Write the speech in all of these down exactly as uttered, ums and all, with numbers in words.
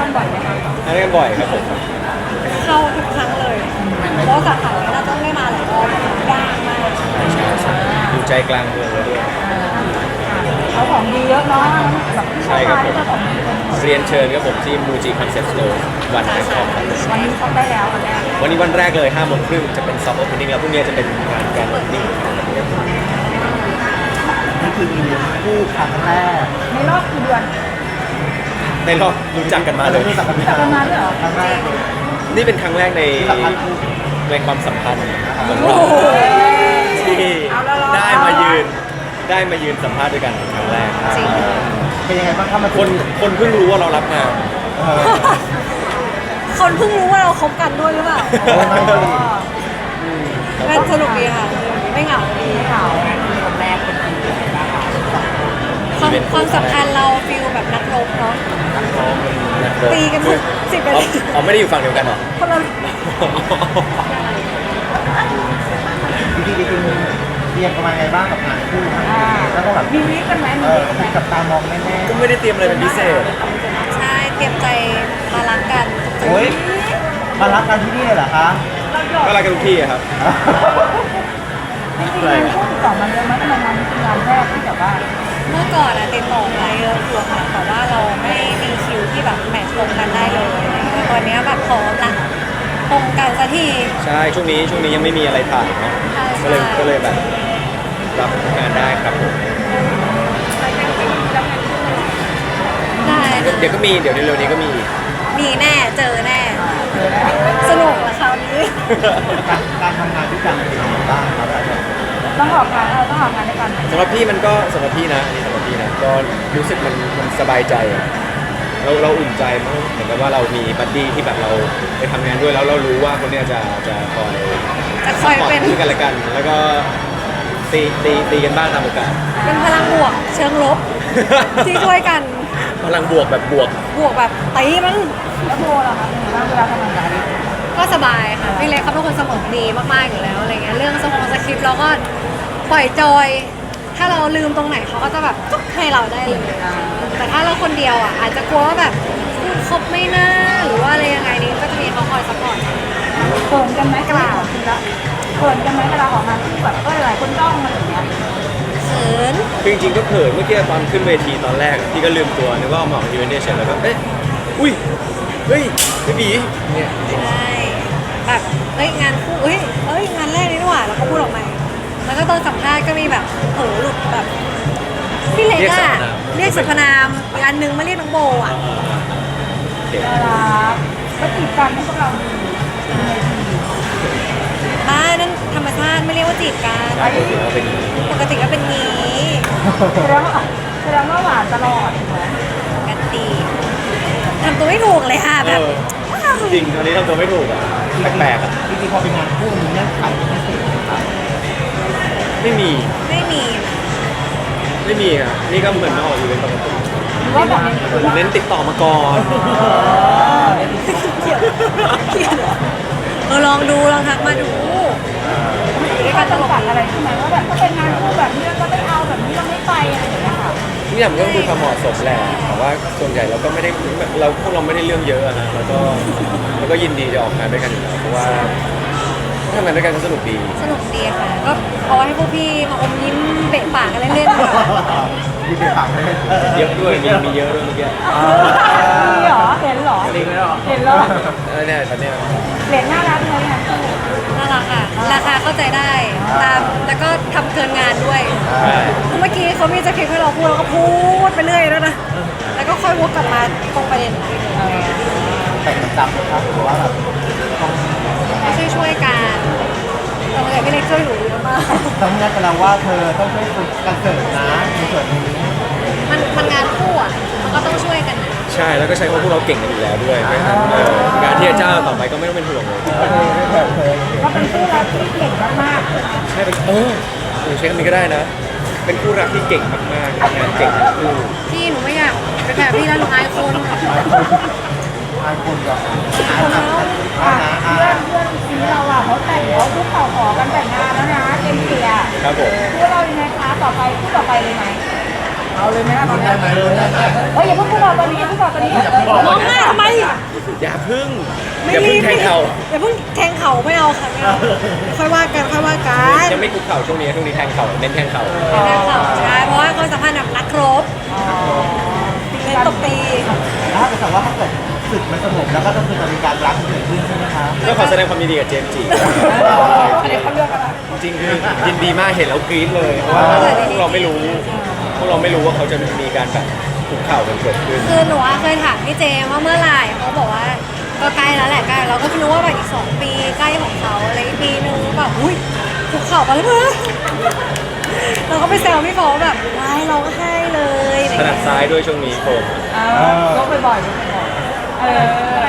กันบ่อยไหมคะทานด้วยกันบ่อยครับผมเข้าทุกครั้งเลยเพราะสาขานี้เราต้องได้มาหลายรอบยากมากใช่ใช่ใช่อยู่ใจกลางเมืองเลยด้วยเขาของดีเยอะเนาะแบบใช่ครับผมเจ้าของดีเป็นหมดเรียนเชิญครับผมที่มูจิคอนเซ็ปต์สโตร์วันแรกของครับวันนี้เขาได้แล้ววันแรกวันนี้วันแรกเลยห้าโมงครึ่งจะเป็นซอฟต์โอเพนนิ่งแล้วพรุ่งนี้จะเป็นงานการโอเพนนิ่งนี่คือมีคู่ครั้งแรกในรอบกี่เดือนในรอบรู้จักกันมาเลยรู้จักกันจักกันมาด้วยเหรอครั้งแรกเลยนี่เป็นครั้งแรกในสัมภาษณ์คู่ในความสัมพันธ์ของโอ้เราโหที่เอาละเราได้มายืนได้มายืนสัมภาษณ์ด้วยกันครั้งแรกจริงเป็นยังไงบ้างครับมาคนคนเพิ่งรู้ว่าเรารับงานเออคนเพิ่งรู้ว่าเราคบกันด้วยหรือเปล่าโอ้ไม่ดีมันสนุกดีค่ะไม่เหงาดีข่าวคนแรกเป็นคนเดียวกันความความสัมพันธ์เราฟิลแบบนักรบเนาะนักรบตีกันทุกสิบอ๋นาอทีอ๋อไม่ได้อยู่ฝั่งเดียวกันเหรอคนละจริงๆจริงๆเตรียมประมาณไงบ้างกับงานคู่ครั้งนี้แล้วก็แบบมีวิกันไหมเอมีอวิกันไหมมีกับตามองแน่ก็ไม่ได้เตรียมอะไรเป็นพิเศษใช่เตรียมใจมารักกันๆโอ้ยมารักกันที่นี่เลยเหรอคะก็รักกันทุกที่อะครับจริงๆงานคู่ติดต่อมาเยอะไหมทำไมงานนี้เป็นงานแรกที่แบบว่าเมื่อก่อนอะติดต่อมาเยอะอยู่ค่ะแต่ว่าเราไม่มีคิวที่แบบแมทช์ตรงกันได้เลยแต่ตอนเนี้ยแบบพร้อมละตรงกันสักทีใช่ช่วงนี้ช่วงนี้ยังไม่มีอะไรถ่ายเนาะใช่ก็เลยใช่ก็เลยแบบรับงานได้ครับผมได้เดี๋ยวเดี๋ยวก็มีเดี๋ยวเร็วๆนี้ก็มีอีกมีแน่เจอแน่ สนุกละคราวนี้การการทำงานด้วยกันเป็นยังไงบ้างครับอาจารย์ต้องออกงานเออต้องออกงานด้วยกันสำหรับพี่มันก็สำหรับพี่นะอันนี้สำหรับพี่นะก็รู้สึกมันมันสบายใจอะเราเราอุ่นใจมากเหมือนกับว่าเรามีบัดดี้ที่แบบเราไปทำงานด้วยแล้วเรารู้ว่าคนเนี้ยจะจะคอยจะคอยเป็นซึ่งกันและกัน แล้วก็ตีตีตีกันบ้างตามโอกาสเป็นพลังบวกเชิงลบ ที่ช่วยกันพลังบวกแบบบวกบวกแบบตีมันแล้วโบล่ะคะเป็นไงบ้างเวลาทำงานกับอลิซก็สบายค่ะพี่เล็กเขาเป็นคนเสมอดีมากๆอยู่แล้วอะไรเงี้ยเรื่องสมองสคริปต์เราก็ปล่อยจอย ถ้าเราลืมตรงไหนเขาก็จะแบบจุ๊กให้เราได้เลยแต่ถ้าเราคนเดียวอ่ะอาจจะกลัวว่าแบบพูดครบไม่น่าหรือว่าอะไรยังไงนี้ก็จะมีเขาคอยซัพพอร์ตเขินกันไหมกล่าวเขินกันไหมเวลาออกงานที่แบบก็หลายคนจ้องมาอย่างเงี้ยเขินคือจริงๆก็เขินเมื่อกี้ตอนขึ้นเวทีตอนแรกอะพี่ก็ลืมตัวนึกว่าเอาหมอกยูเวนเดชแล้วก็เอ๊ะอุ้ยเฮ้ยพี่บีเนี่ยใช่แบบเฮ้ยงานคู่เฮ้ยเฮ้ยงานแรกนี่นี่หว่าแล้วก็พูดออกมาแล้วก็ตอนสัมภาษณ์ก็มีแบบเผลอหลุดแบบพี่เล็กอะเรียกสรรพนามอีกอันนึงมาเรียกน้องโบอ่ะโอเคเวลาก็จีบกันให้พวกเราดูบ้านั่นธรรมชาติไม่เรียกว่าจีบกันใช่ปกติเราเป็นอย่างนี้ปกติก็เป็นงี้แสดงว่าแสดงว่าหวานตลอดถูกไหมปกติทำตัวไม่ถูกเลยค่ะแบบเออจริงตอนนี้ทำตัวไม่ถูกอ่ะแปลกๆอ่ะจริงๆพอเป็นงานคู่มีเงื่อนไขพิเศษไหมครับไม่มีไม่มีไม่มีอ่ะนี่ก็เหมือนมาออกอีเวนต์ปกติหรือว่าแบบนี้เน้นติดต่อมาก่อนเขียนเขียนเออลองดูลองทักมาดูมีการจำกัดอะไรใช่ไหมว่าแบบถ้าเป็นงานคู่แบบนี้ก็ไม่เอาแบบนี้เราไม่ไปอะไรอย่างเงี้ยค่ะทุกอย่างมันก็คือความเหมาะสมแหละแต่ว่าส่วนใหญ่เราก็ไม่ได้เราพวกเราไม่ได้เรื่องเยอะอะนะแล้วก็แล้วก็ยินดีจะออกงานด้วยกันอยู่แล้วเพราะว่าทำงานด้วยกันก็สนุกดีสนุกดีค่ะก็เอาให้พวกพี่มาอมยิ้มเบะปากกันเล่นๆดีกว่ามีเด็กฝากเลยเยอะด้วยมีมีเยอะด้วยเมื่อกี้มีเหรอเห็นเหรอจริงไหมหรอเห็นเหรอเออเนี่ยตอนเนี้ยเหรียญน่ารักเลยค่ะน่ารักค่ะ ราคาเข้าใจได้ตามแล้วก็ทำเกินงานด้วยใช่เมื่อกี้เขามีสคริปต์ให้เราพูดเราก็พูดไปเรื่อยแล้วนะ แล้วก็ค่อยวกกลับมาตรงประเด็นอีกทีหนึ่งแต่ประจำนะครับหรือว่าแบบต้องช่วยช่วยๆกันแต่เมื่อกี้พี่เล็กช่วยหนูเยอะมากต้องนัดกันแล้วว่าเธอต้องช่วยฝึกการเสิร์ฟนะในส่วนนี้มันมันงานคู่อ่ะ มันก็ต้องช่วยกันนะใช่แล้วก็ใช้เพราะพวกเราเก่งกันอยู่แล้วด้วยเพราะฉะนั้นเอองานที่จะจ้างต่อไปก็ไม่ต้องเป็นห่วงเลยก็เป็นคู่รักที่เก่งมากใช่เป็นเออหนูใช้คำนี้ก็ได้นะ เป็นคู่รักที่เก่งมากๆทำงานเก่งทั้งคู่พี่หนูไม่อยากเป็นแบบพี่แล้วหนูอายคนอายคนก่อนๆแล้วอ่ะเพื่อนเพื่อนซีเราอ่ะเขาแต่งเขาคุกเข่าขอกันแต่งงานแล้วนะเอ็มเกียร์ครับผมคู่เรายังไงคะต่อไปคู่ต่อไปเลยไหมเอาเลยไหมล่ะตอนนี้เฮ้ยอย่าเพิ่งพูดเราตอนนี้อย่าเพิ่งบอกตอนนี้ร้องไห้ทำไมอย่าพึ่งไม่อย่ารีพึ่งบแทงเข่าอย่าเพิ่งแทงเข่าไม่เอาค่ะไม่เอาค่อยว่ากันค่อยว่ากันยังไม่คุกเข่าช่วงนี้ช่วงนี้แทงเข่าเน้นแทงเข่าแทงเข่าใช่เพราะว่าความสัมพันธ์แบบนักรบเน้นตบตีแล้วถ้าเกิดว่าถ้าเกิดศึกมันสงบแล้วก็ต้องคือจะมีการรักเกิดขึ้นใช่ไหมคะก็ขอแสดงความยินดีกับเจมส์จีอันนี้เขาเลือกอะไรจริงๆคือยินดีมากเห็นแล้วกรี๊ดเลยเพราะว่าพวกเราไม่รู้พวกเราไม่รู้ว่าเขาจะมีการแบบคุกเข่ากันเกิดขึ้นคือหนูอะเคยถามพี่เจมว่าเมื่อไหร่เขาบอกว่าก็ใกล้แล้วแหละใกล้เราก็คิดว่าแบบอีกสองปีใกล้ของเขาอะไรอีกปีนึงแบบอุ้ยคุกเข่าไปแล้วเพื่อเราก็ไปแซวพี่โฟแบบว้ายร้องไห้เลยอะไรถนัดเงี้ยซ้ายด้วยช่วงนี้โฟมอ่ายกบ่อยๆยกบ่อยๆเออ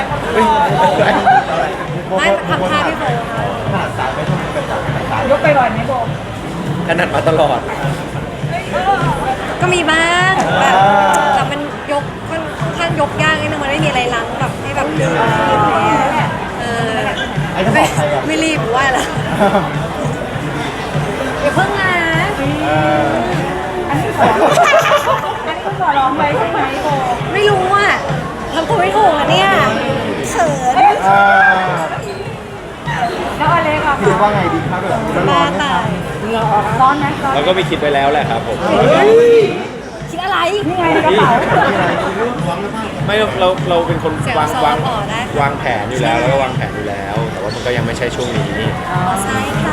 ไม่ทำท่าพี่โฟค่ะขนาดสายไม่ต้องเป็นจากขนาดสายยกบ่อยๆไหมโบถนัดมาตลอดก็มีบ้างแบบแต่มันยกค่อนข้างยกยากนิดนึงมันไม่มีอะไรล้างแบบให้แบบดึงอะไรเงี้ยเออไอ้ถ้าบไม่อกใครอ่ะไม่รีบหรือว่าอะไรอย่าเพิ่งนะเอออันนี้ขออันนี้คุณขอร้องไว้ใช่ไหมโบไม่รู้อ่ะทำตัวไม่ถูกอ่ะเนี่ยเขินเออแล้วอเล็กอะคิดคะว่าไงดีครับแบบร้บ้าอนไหมตาคะยร้อนไหมร้อนเราก็มีคิดไว้แล้วแหละครับผมคิดอะไรนี่ไงในกระเป๋ามีอะไรเรื่องร้อนหรือเปล่าไม่เราเราเป็นคนเสียงวางซอวางต่อได้วางแผนอยู่แล้วแล้วก็วางแผนอยู่แล้ว แต่ว่ามันก็ยังไม่ใช่ช่วงนี้อ๋อใช่ค่ะ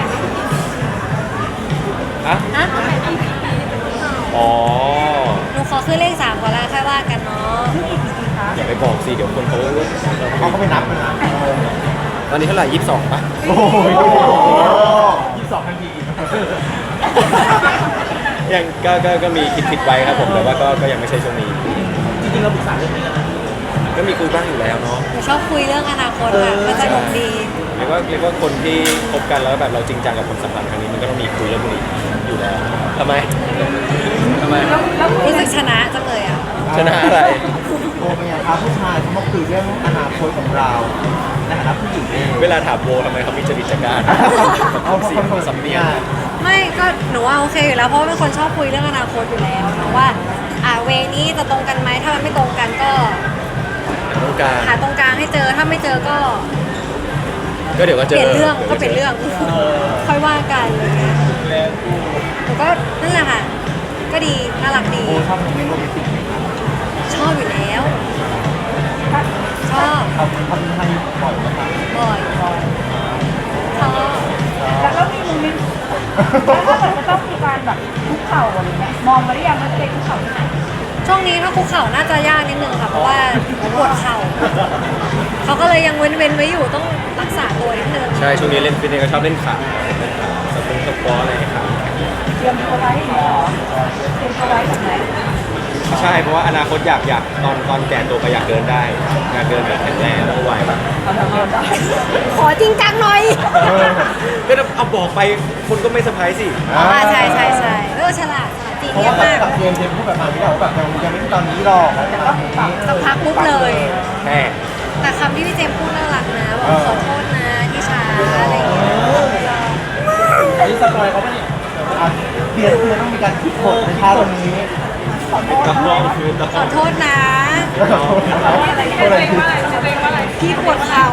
อะอ่ะอ๋อหนูขอขึ้นเลขสามก่อนแล้วค่อยว่ากันเนาะอย่าไปบอกสิเดี๋ยวคนเขาเขาก็ไปนับนะตอนนี้เท่าไหร่ยี่สิบสองป่ะโอ้โหยี่สิบสองทันทียังก็ก็ก็มีคิดคิดไว้ครับผมแต่ว่าก็ก็ยังไม่ใช่ช่วงนี้จริงๆเราปรึกษาเรื่องนี้กันนะก็มีคุยบ้างอยู่แล้วเนาะหนูชอบคุยเรื่องอนาคตค่ะมันสนุกดีเรียกว่าเรียกว่าคนที่คบกันแล้วแบบเราจริงจังกับความสัมพันธ์ครั้งนี้มันก็ต้องมีคุยเรื่องพวกนี้อยู่แล้วทำไมทำไมรู้สึกชนะจังเลยอ่ะชนะอะไรโอ้เป็นไงครับผู้ชายเขามาคุยเรื่องอนาคตของเราในฐานะผู้หญิงเองเวลาถามโบทำไมเขามีจริตจักรานเอาเพราะเสีคยงนคนสำเนียงไม่ก็หนูว่าโอเคอยู่แล้วเพราะว่าเป็นคนชอบคุยเรื่องอนาคตอยู่แล้วเนาะว่าอ่าเวนี้จะตรงกันไหมถ้ามันไม่ตรงกันก็ต้องการหาตรงกลางให้เจอถ้าไม่เจอก็ก็เดี๋ยวก็เปเจอลี่ยนเรื่องก็เปลี่ยนเรื่องค่อยว่ากันอะไรเงี้ยหนูก็นั่นแหละค่ะ ก็ดีน่ารักดีโอ้ชอบโมเมนต์โรแมนติกไหมครับชอบอยู่แล้ว ชอบทำทำให้บ่อยไหมครับบ่อยชอบแล้วก็มีมุมนี้แล้วถ้าเกิดจะต้องมีการแบบคุกเข่าอะไรเงี้ยมองมาหรือยังว่าจะไปคุกเข่าที่ไหนช่วงนี้ถ้าคุกเข่าน่าจะยากนิดนึงค่ะเพราะว่าปวดเข่าเขาก็เลยยังเว้นๆไว้อยู่ต้องรักษาตัวนิดนึงใช่ช่วงนี้เล่นฟิตเนสก็ชอบเล่นขาเล่นขาสปงสปอร์อะไรครับเตรียมตัวไว้เหรอเตรียมตัวไว้แบบไหนใช่เพราะว่าอนาคตอยากอยากตอนตอนแก่ตัวก็อยากเดินได้อยากเดินแบบแข็งแรงแล้วก็ไหวแบบเอาทำงานได้ขอจริงจังหน่อยก็เอาบอกไปคนก็ไม่เซอร์ไพรส์สิอ๋อใช่ใช่ใช่เออฉลาดฉลาดจริงเพราะเยี่ยว่ามมากกับเจมส์เจมส์พูดแบบมาไม่ได้ว่าแบบยังยังไม่มีตอนนี้หรอกแต่ตอนนี้สักพักปุ๊บเลยแค่แต่คำที่พี่เจมส์พูดน่ารักนะบอกขอโทษนะที่ช้าอะไรอย่างเงี้ยอันนี้สปอยเขาปะเนี่ยอ่ะเปลี่ยนเปลี่ยนต้องมีการคิดบทในท่าตรงนี้ต้องลองคือต้องขอโทษนะอะไรเงี้ยเตรงว่าอะไรเตรงว่าอะไรพี่ปวดเข่า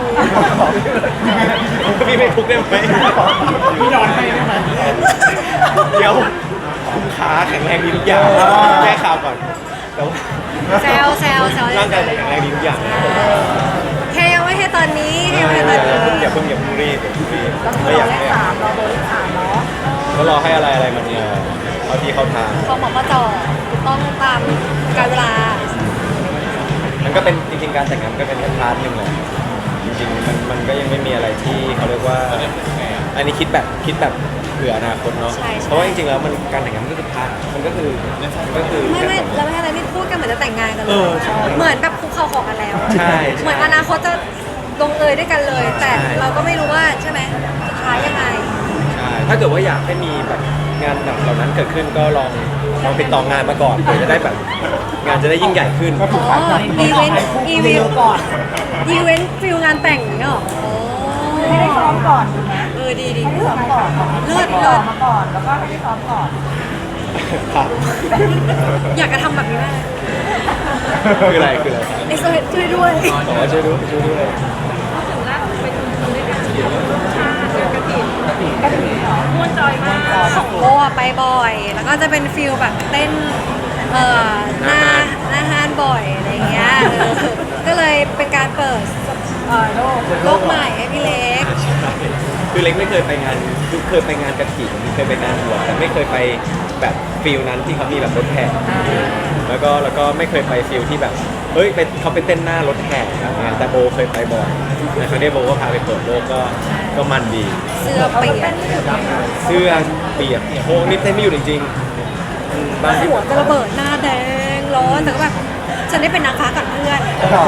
พี่ไม่ทุกข์ได้ไหมพี่นอนให้ได้ไหมเดี๋ยวคุณขาแข็งแรงดีทุกอย่างแก้ข่าวก่อนแต่ว่าแซวแซวแซวร่างกายแข็งแรงดีทุกอย่างนะครับผมแค่ยังไม่ใช่ตอนนี้แค่อยังไม่ใช่ตอนนี้ย่าเพิ่งอย่าเพิ่งรีบอย่าเพิ่งรีบต้องไม่รออยากเลขให้สามรอโบเลขสามเนาะก็รอให้อะไรอะไรมันเนี่ยเอาที่เขาทางเขาบอกว่าจอถูกต้องตามการเวลามันก็เป็นจริงๆการแต่งงานก็เป็นแค่พาร์ทหนึ่งแหละจริงๆมันมันก็ยังไม่มีอะไรที่เขาเรียกว่าอันนี้คิดแบบคิดแบบเผื่ออนาคตเนาะเพราะว่าจริงๆแล้วมันการแต่งงานมันก็คือพาร์ทมันก็คือมันก็คือไม่ไม่เราไม่ให้อะไรนี่พูดกันเหมือนจะแต่งงานกันเลเอย อใช่เหมือนแบบคุกเข่าขอกันแล้วใช่เหมือนอนาคตจะลงเอยด้วยกันเลย แต่ใช่เราก็ไม่รู้ว่าใช่ไหมสุดท้ายยังไงใช่ถ้าเกิดว่าอยากให้มีแบบงานแบบเหล่านั้นเกิดขึ้นก็ลองลองติดต่องานมาก่อนเพื่อจะได้แบบงานจะได้ยิ่งใหญ่ขึ้นก็ถูกอ๋ขาอย อีเวนต์อีเวนต์ก่อนอีเวนต์ฟิลงานแต่งอย่างเงี้ยเหรอโอ้ไม่ได้ซ้อมก่อนถูกไหมเออดีดีไม่ได้ซ้อมก่อนเลิศติดเลิต่อศมาก่อนแล้วก็ให้ได้ซ้อมก่อนครับอยากจะทำแบบนี้มากคืออะไรคืออะไรไอ้ช่วยช่วยด้วยขอช่วยด้วยช่วยด้วยของโบอะไปบ่อย แล้วก็จะเป็นฟิลแบบเต้นเอ่อหน้าหน้าห้านบ่อยอะไรเงี้ยเออก็เลยเป็นการเปิดเออโลกโลกใหม่ให้พี่เล็กคือเล็กไม่เคยไปงานคือเคยไปงานกระถิ่นเคยไปงานบวชแต่ไม่เคยไปแบบฟิลนั้นที่เขามีแบบรถแห่แล้วก็แล้วก็ไม่เคยไปฟิลที่แบบเฮ้ยเป็นเขาไปเต้นหน้ารถแห่อะไรเงี้ยแต่โบเคยไปบ่อยนะครั้งนี้โบก็พาไปเปิดโลกก็ก็มันดีเสื้อเปียกเสื้อเปียกโอ้นี่เต้นไม่อยู่จริงๆอืมบางทีหัวจะระเบิดหน้าแดงร้อนแต่ก็แบบฉันได้เป็นนางฟ้ากับเพื่อน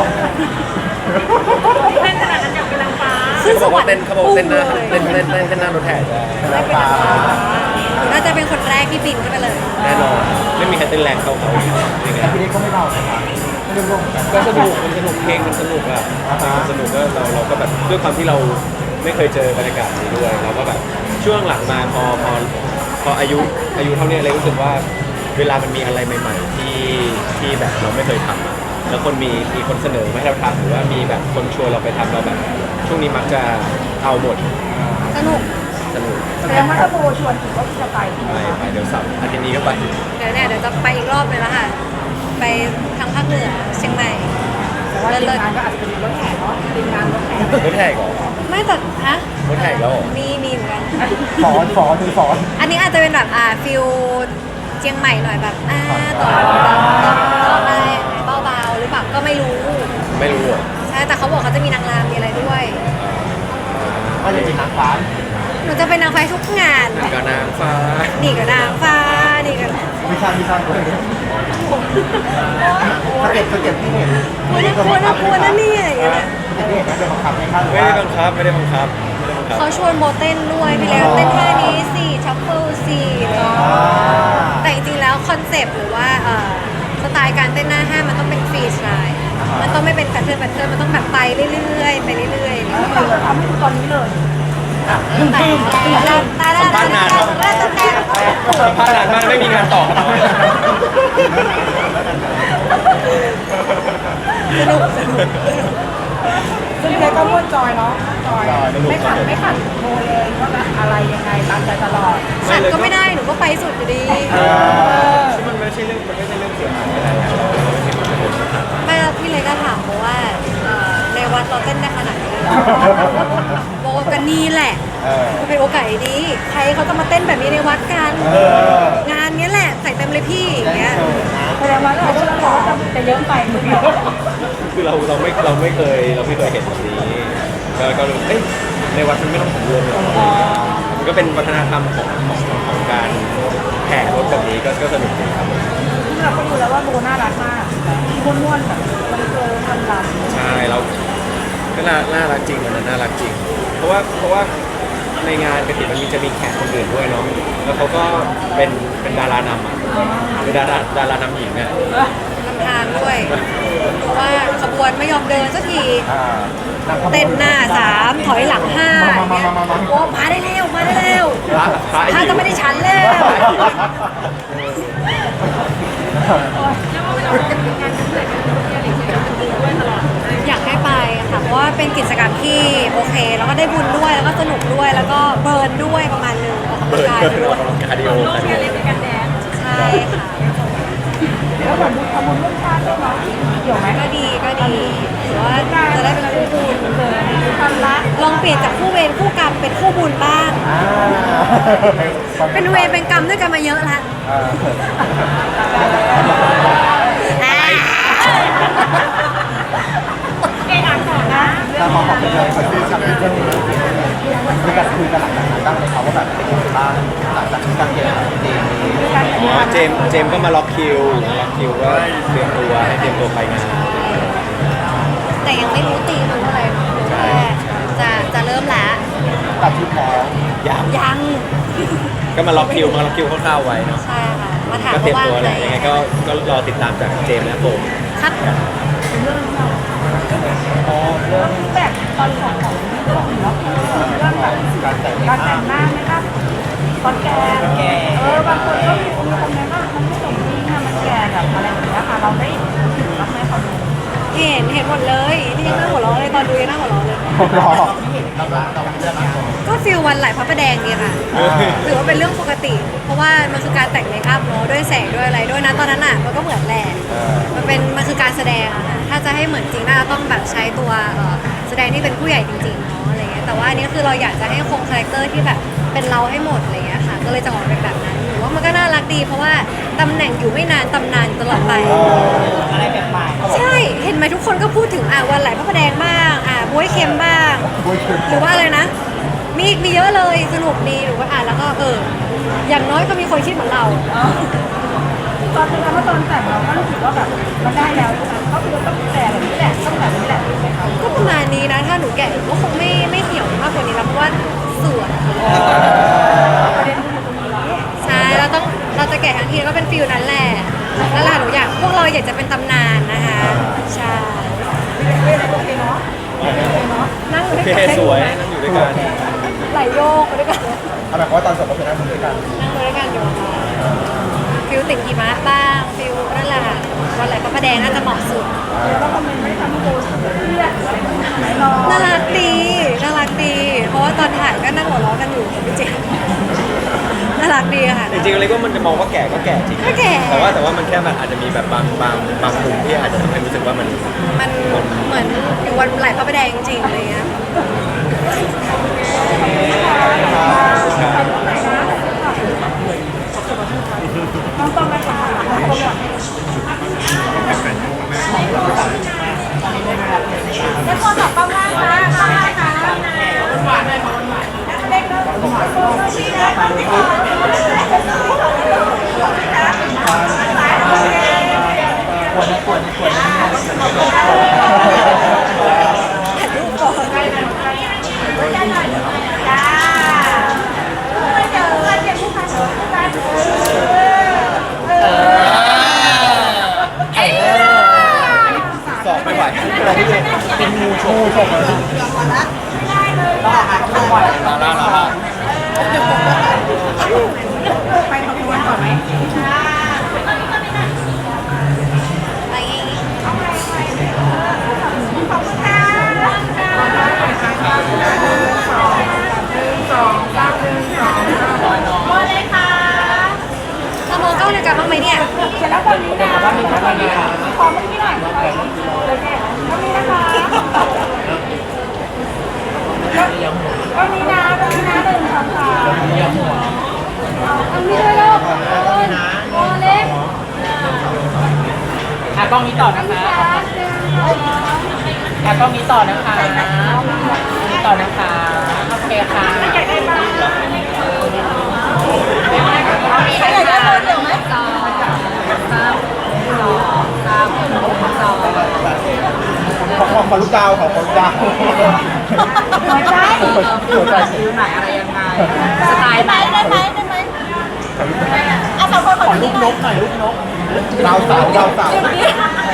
เต้นขนาดนั้นอยากเป็นนางฟ้าขึ้นเขาสบอกวรว่ารค์เต้นเขาบอกว่าเต้นหน้าพุ่งเลยเต้นเต้นเต้นเต้นหน้ารถแห่ได้ได้เป็นนางฟ้าน่าจะเป็นคนแรกที่บินขึ้นไปเลยแน่นอนไม่มีใครเต้นแรงเท่าเขาอย่างเงี้ยแต่พี่เล็กก็ไม่เบานะคะไม่ได้ร่วมกันก็สนุกมันสนุกเพลงมันสนุกอ่ะมันสนุกก็เราเราก็แบบด้วยความที่เราไม่เคยเจอบรรยากาศนี้ด้วยเราก็แบบช่วงหลังมาพอพอพออายุอายุเท่านี้เลยรู้สึกว่าเวลามันมีอะไรใหม่ ๆ ที่ที่แบบเราไม่เคยทำอะแล้วคนมีมีคนเสนอมาให้เราทำหรือว่ามีแบบคนชวนเราไปทำเราแบบ ช่วงนี้มักจะเอาหมดสนุกสนุกแสดงว่าถ้าโบชวนถึงก็จะไปไปไปเดี๋ยวเสับอาทิตย์นี้ก็ไปเดี๋ยวเนี่ยเดี๋ยวจะไปอีกรอบเลยแล้วค่ะ ไปทางภาคเหนือเชียงใหม่แต่ว่าทีมงานก็อาจจะเป็นรถแห่เนาะทีมงานรถแห่รถแห่เหรอไม่แต่ฮะรถแห่แล้วเหรอมีมีเหมือนกันสอนสอนคือสอนอันนี้อาจจะเป็นแบบอ่าฟิลเชียงใหม่หน่อยแบบอ่าต่อต่อต่อต่ออะไรเบาๆหรือเปล่าก็ไม่รู้ไม่รู้เหรอใช่แต่เขาบอกเขาจะมีนางรำมีอะไรด้วยก็จะเป็นนางฟ้าหนูจะเป็นนางฟ้าทุกงานกับนางฟ้านี่กับนางฟ้านี่กับไม่ใช่ไม่ใช่เลยสเก็ตสเก็ตที่เห็นกลัวนะกลัวนะกลัวนะเนี่ยอย่างเงี้ยสเก็ตที่เห็นนั่นเป็นบังคับไหมคะหรือไม่ว่าได้บังคับไม่ได้บังคับไม่ได้บังคับเขาชวนโบเต้นด้วยพี่เล็กเต้นท่านี้สิชัฟเฟิลสิอะไรอย่างเงี้ยอ่าแต่จริงๆแล้วคอนเซปต์หรือว่าเอ่อสไตล์การเต้นหน้าห้างมันต้องเป็นฟรีสไตล์มันต้องไม่เป็นแพทเทิร์นแพทเทิร์นมันต้องแบบไปเรื่อยๆไปเรื่อยๆแล้วเราทำให้ดูตอนนี้เลยแต่ตายแล้วสัมภาษณ์นานครับแล้วแต่แต่สัมภาษณ์นานมากไม่มีงานต่อครับสนุกสนุกซึ่งเด็กก็ม่วนจอยเนาะจอยไม่ขัดไม่ขัดโบเลยว่าแบบอะไรยังไงตามใจตลอดขัดก็ไม่ได้หนูก็ไปสุดอยู่ดีมันไม่ใช่เรื่องมันไม่ใช่เรื่องเสียหายอะไรอะเราเราไม่ใช่คนเป็นคนขัดไม่แล้วพี่เลยก็ถามโบว่าเอ่อในวัดเราเต้นได้ขนาดนี้เลยเหรอโบก็นี่แหละเออมันเป็นโอกาสดีใครเขาจะมาเต้นแบบนี้ในวัดกันเอองานเนี้ยแหละใส่เต็มเลยพี่อย่างเงี้ยแสดงว่าเราก็ต้องบอกว่าจะเยอะไปหรือเปล่าคือเราเราไม่เราไม่เคยเราไม่เคยเห็นแบบนี้ก็ก็รู้เอ้ยในวัดมันไม่ต้องถึงรวมหรอกมันก็เป็นวัฒนธรรมของของของการแห่รถแบบนี้ก็ก็สนุกดีครับที่เราก็ดูแล้วว่าโบน่ารักมากม้วนๆแบบมันเกินทำลำใช่เราก็น่าน่ารักจริงวันนั้นน่ารักจริง เพราะว่าเพราะว่าในงานกระถิ่นมันมีจะมีแขกคนอื่นด้วยเนาะแล้วเขาก็เป็นเป็นดารานำอ่ะเป็นดาราดารานำหญิงอ่ะลำทางด้วย เพราะว่าขบวนไม่ยอมเดินสักทีอ่าเต้นหน้าสามถอยหลังห้าอย่างเงี้ยโอ้มาได้เร็วมาได้เร็วพระพระถ้าจะไม่ได้ฉันแล้ว อยากให้ไปค่ะเพราะว่าเป็นกิจกรรมที่โอเค แล้วก็ได้บุญด้วยแล้วก็สนุกด้วยแล้วก็เบิร์นด้วยประมาณนึงออกกำลัเบิงร์นกายเบิร์นด้อวอย กกำลังกายคาร์ดิโอคาร์ดิโอใช่ค่ะแล้วเหมือนทำบุญร่วมชาติด้วยเนาะเกี่ยวไหมก็ดีก็ดีหรือว่าจะได้เป็นคู่บุญเกิดความรักลองเปลี่ยนจากคู่เวรคู่กรรมเป็นคู่บุญบ้างอ่าเป็นเวรเป็นกรรมด้วยกันมาเยอะละอ่าอ่าเองอ่านก่อนนะถ้าพอบอกไปเลยคนที่ทำเรื่องนี้มีการคุยกันหลังจากนั้นบ้างไหมครับว่าแบบเป็นยังไงบ้างหลังจากที่การเกมเกมนี้อ๋อเจมส์เจมส์ก็มาล็อกคิวล็อกคิวก็เตรียมตัวให้เตรียมตัวไปงานแต่ยังไม่รู้ตีมันเท่าไหร่แค่จะจะเริ่มแล้วตัดชุดแล้วยังยังก็มาล็อกคิวมาล็อกคิวคร่าวๆไว้เนาะใช่ค่ะมาถามก็เตรียมว่าตัวว่างแหไหมละยังไงก็ก็รอติดตามจากเจมส์และผมครับอ๋อเรื่องแบบตอนของของเรื่องเนาะเรื่องแบบการแต่งหการแต่น้างหน้าไหมครับตอนแก่เออบางคนก็มีคนคอมเมนต์ว่ามันไม่สมจริงอะมันแก่แบบอะไรอย่างเงี้ยค่ะเราได้ถึงรับไหมเขาดูเห็นเห็นหมดเลยนี่ยังนั่งหัวเราะเลยตอนดูยังนั่งหัวเราะเลยผมรอก็ฟิลวันไหลพระประแดงดีค่ะถือว่าเป็นเรื่องปกติ เพราะว่ามันคือการแต่งเมคอัพเนาะด้วยแสงด้วยอะไรด้วยนะตอนนั้นอ่ะมันก็เหมือนแหละมันเป็นมันคือการแสดงอะค่ะถ้าจะให้เหมือนจริงน่าจะต้องแบบใช้ตัวเอ่อแสดงที่เป็นผู้ใหญ่จริงๆเนาะอะไรเงี้ยแต่ว่าอันนี้คือเราอยากจะให้คงคาแรคเตอร์ที่แบบเป็นเราให้หมดอะไรเงี้ยค่ะก็เลยจะออกมาเป็นแบบนั้นหรือว่ามันก็น่ารักดี เพราะว่าตำแหน่งอยู่ไม่นานตำนานตลอดไปอะไรแบบใหม่ใช่ เห็นไหมทุกคนก็พูดถึงอ่ะวันไหลพระประแดงบ้างอ่ะบ๊วยเค็มบ้างบ๊วยเค็มหรือว่าอะไรนะ มีอีกมีเยอะเลยสนุกดีหรือว่าอ่านแล้วก็เออ อย่างน้อยก็มีคนคิดเหมือนเราตอนนั้นว่าตอนแต่งเราก็รู้สึกว่าแบบมันได้แล้วใช่ไหมก็คือต้องแต่แบบนี้แหละต้องแบบนี้แหละใช่ไหมคะก็ประมาณนี้นะ ถ้าหนูแก่ก็คงไม่ไม่เหี่ยวมากกว่านี้แล้วเพราะว่าสวยประเด็นคืออยู่ตรงนี้ใช่เราต้องเราจะแก่ทั้งทีก็เป็นฟิลนั้นแหละนั่นแหละหนูอยากพวกเราอยากจะเป็นตำนานนะคะใช่โอเคเนาะโอเคเนาะนั่งอยู่โอด้วยเคกันสวยนั่งอยู่ด้วยกันไหลโยกไปด้วยกันเอาแบบว่าตอนจบก็คือนั่งด้วยกันนั่งไปด้วยกันอยู่ค่ะฟิลติ่งหิมะบ้างฟิลนั่นแหละค่ะวันไหลพระประแดงน่าจะเหมาะสุดแล้วคอมเมนต์ไม่ทำให้โบเครียดหรืออะไรแบบนี้ไหมรอน่ารักดีน่ารักดี เพราะว่าตอนถ่ายก็นั่งหัวเราะกันอยู่กับพี่เจมส์น่ารักดีค่ะจริงๆเลยก็มันจะมองว่าแก่ก็แก่จริงก็แก่แต่ว่าแต่ว่ามันแค่มันอาจจะมีแบบบางบางบางมุมที่อาจจะทำให้รู้สึกว่ามันมันเหมือนอยู่วันไหลพระประแดงจริงๆอะไรเงี้ยต้องต้องนะคะแล้วคนบอกป้าว่าค่ะป้าค่ะหวานเลยหวานเล็กแล้วหวานชี้นะควรควรควรถ่ายรูปก่อนจ้าไม่เจอเพื่อนเจอผู้ค้าชนกันเออสอบไม่ไหวเป็นงูโชว์ชมเลยต้องหาคำว่าลาลาลาลาไปขบวนก่อนไหมไปขอบคุณค่ะสองเก้าหนึ่งสองหมดเลยค่ะเรามองกล้องเดียวกันบ้างไหมเนี่ยเสร็จแล้วคนนี้นะคนนี้ขอเมื่อกี้หน่อยโอเคคนนี้นะคะก็นี้นะก็นี้นะหนึ่งสองสามอันนี้ด้วยลูกโอเล็กอ่ะกล้องนี้ต่อนะคะอ่ะกล้องนี้ต่อนะคะนี้ต่อนะคะ โอเคค่ะอยากได้บ้างใครอยากได้เบอร์เดียวไหมสองสามสองสามสองขอขอขอลูกดาวขอขอลูกดาวหัวใจหัวใจฟิวไหนอะไรยังไงสไตล์ไหนได้ไหมได้ไหมอ่ะสองคนขอลูกนกหน่อยลูกนกดาวสาวดาวสาวนี้